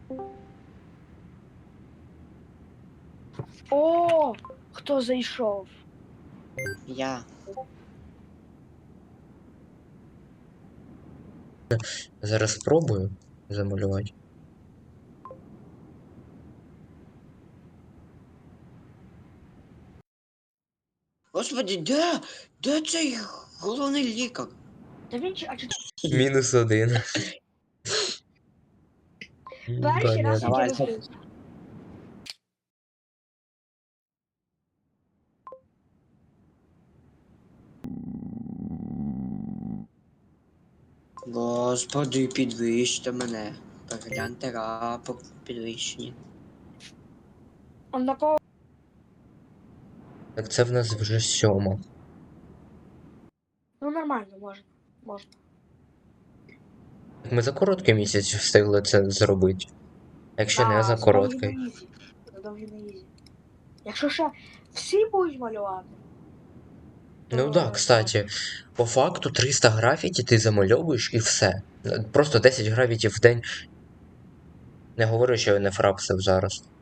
О, хто зайшов? Я. Зараз спробую замалювати. Господи, де цей головний лікар? Та він а чи -1. перший раз Понятно. я Давай, розбився. Господи, підвищте мене. Перегляньте рапорт підвищені. А на кого? Так це в нас вже 7. Ну нормально, можна. Так ми за короткий місяць встигли це зробити. Якщо не за короткий. Це довгі на ізі. Якщо ще всі будуть малювати. Ну да, кстати, по факту 300 графіті ти замальовуєш і все. Просто 10 графітів в день. Не говорю, що я не фрапсив зараз.